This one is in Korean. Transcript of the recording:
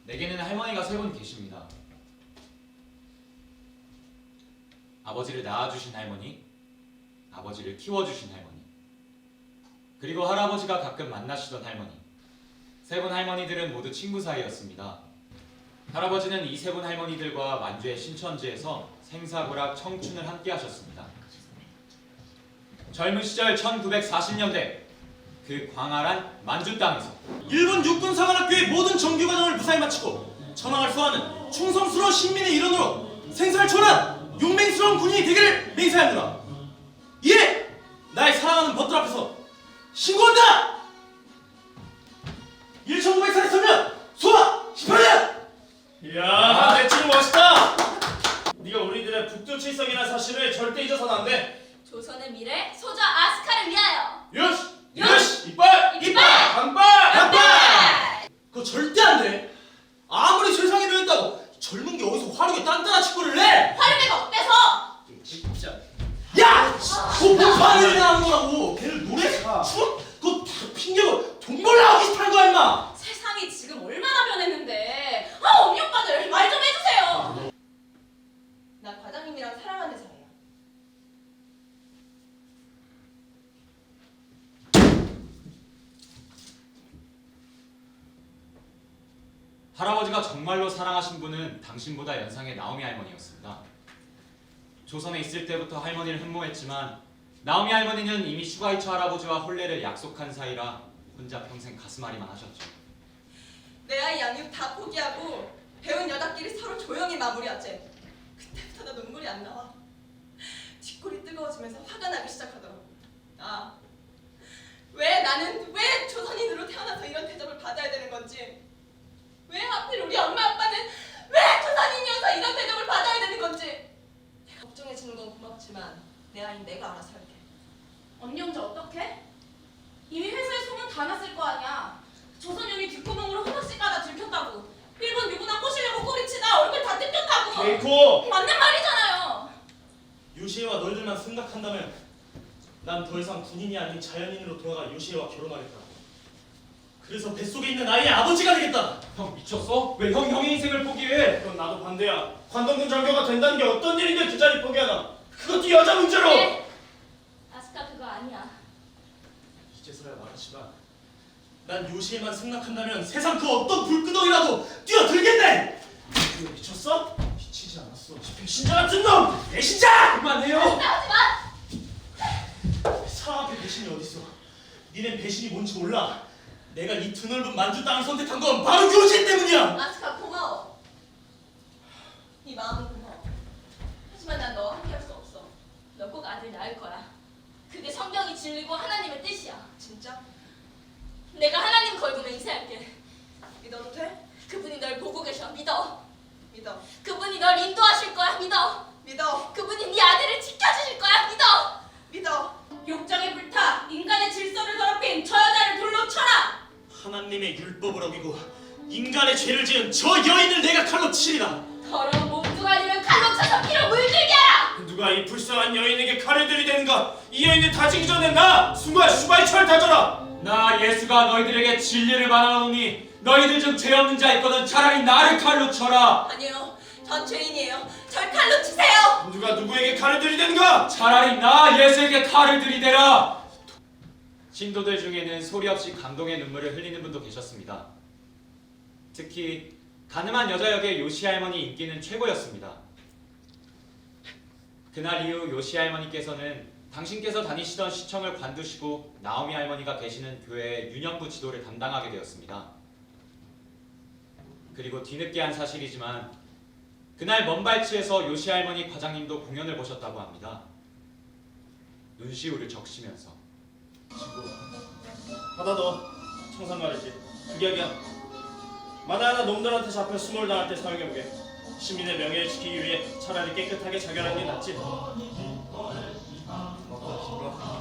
내게는 할머니가 3분 계십니다. 아버지를 낳아주신 할머니, 아버지를 키워주신 할머니, 그리고 할아버지가 가끔 만나시던 할머니. 3분 할머니들은 모두 친구 사이였습니다. 할아버지는 이 3분 할머니들과 만주의 신천지에서 생사고락 청춘을 함께 하셨습니다. 젊은 시절 1940년대 그 광활한 만주 땅에서 일본 육군사관학교의 모든 정규과정을 무사히 마치고 전황을 수호하는 충성스러운 신민의 일원으로 생사를 용맹스러운 군인이 되기를 맹세하노라. 이에 나의 사랑하는 벗들 앞에서 신고한다! 1543년 소화 18년! 이야, 내 친구 멋있다! 네가 우리들의 북두칠성이라는 사실을 절대 잊어서는 안 돼. 조선의 미래 소저 아스카를 위하여. 요시! 요시! 이빨! 이빨! 강빨! 간발! 그거 절대 안 돼! 아무리 세상이 변했다고 젊은 게 어디서 화력에 딴딴한 친구를 내! 화류배가 어때서? 진짜 야! 그거 뭔 반응이 나는 거라고! 걔를 노래? 춤? 그거 다 핑계고 돈 벌라고 비슷한 거야 임마! 세상이 지금 얼마나 변했는데. 아, 언니 오빠들 말 좀 해주세요. 나 과장님이랑 사랑하는 사이야. 할아버지가 정말로 사랑하신 분은 당신보다 연상의 나오미 할머니였습니다. 조선에 있을 때부터 할머니를 흠모했지만 나오미 할머니는 이미 슈가이처 할아버지와 혼례를 약속한 사이라 혼자 평생 가슴앓이만 하셨죠. 내 아이 양육 다 포기하고 배운 여자끼리 서로 조용히 마무리하지. 그때부터 나 눈물이 안 나와. 뒷골이 뜨거워지면서 화가 나기 시작하더라고. 왜 조선인으로 태어나서 이런 대접을 받아야 되는 건지, 왜 하필 우리 엄마 아빠는 왜 조선인이어서 이런 대접을 받아야 되는 건지. 걱정해주는 건 고맙지만 내 아이는 내가 알아서 할게. 언니 혼자 어떡해? 이미 회사에 소문 다 났을 거 아니야. 조선인이 뒷구멍으로 허벅지 까다 들켰다고. 일본 누구나 꼬시려고 꼬리치다 얼굴 다 뜯겼다고. 케이코! 맞는 말이잖아요. 요시에와 너희들만 생각한다면 난 더 이상 군인이 아닌 자연인으로 돌아가 요시에와 결혼하겠다. 그래서 뱃속에 있는 아이의 아버지가 되겠다. 형 미쳤어? 왜 형의 인생을 포기해? 그건 나도 반대야. 관동군 장교가 된다는 게 어떤 일인데 그 자리 포기하나? 그것도 여자 문제로! 네. 아스카 그거 아니야. 이제서야 말하지만 난 요시에만 생각한다면 세상 그 어떤 불구덩이라도 뛰어들겠네! 너 미쳤어? 미치지 않았어. 배신자 같은 놈! 배신자! 그만해요! 싸우지 마. 사람 앞에 배신이 어딨어? 니넨 배신이 뭔지 몰라. 내가 이 드넓은 만주 땅을 선택한 건 바로 요시 때문이야! 아스카 고마워. 네 마음은 고마워. 하지만 난 너와 함께 할 수 없어. 너 꼭 아들 낳을 거야. 그게 성경이 진리고 하나님의 뜻이야. 진짜? 내가 하나님 걸고 맹세할게. 믿어도 돼? 그분이 널 보고 계셔. 믿어. 믿어. 그분이 널 인도하실 거야. 믿어. 믿어. 그분이 네 아들을 지켜주실 거야. 믿어. 믿어. 욕정에 불타 인간의 질서를 더럽힌 저 여자를 돌로 쳐라. 하나님의 율법을 어기고 인간의 죄를 지은 저 여인을 내가 칼로 치리라! 더러운 몸뚱아리를 칼로 쳐서 피로 물들게 하라. 누가 이 불쌍한 여인에게 칼을 들이대는가? 이 여인을 다지기 전에 나! 순간 슈바이처를 다져라! 나 예수가 너희들에게 진리를 말하노니 너희들 중 죄 없는 자 있거든 차라리 나를 칼로 쳐라. 아니요. 전 죄인이에요. 절 칼로 치세요. 누가 누구에게 칼을 들이대는가? 차라리 나 예수에게 칼을 들이대라. 신도들 중에는 소리 없이 감동의 눈물을 흘리는 분도 계셨습니다. 특히 가늠한 여자 역의 요시 할머니 인기는 최고였습니다. 그날 이후 요시 할머니께서는 당신께서 다니시던 시청을 관두시고 나오미 할머니가 계시는 교회의 유년부 지도를 담당하게 되었습니다. 그리고 뒤늦게 한 사실이지만 그날 먼발치에서 요시 할머니 과장님도 공연을 보셨다고 합니다. 눈시울을 적시면서 하다 너 청산 말이지. 극약이야. 만에 하나 놈들한테 잡혀 수모를 당할 때 사용해보게. 시민의 명예를 지키기 위해 차라리 깨끗하게 자결하는 게 낫지.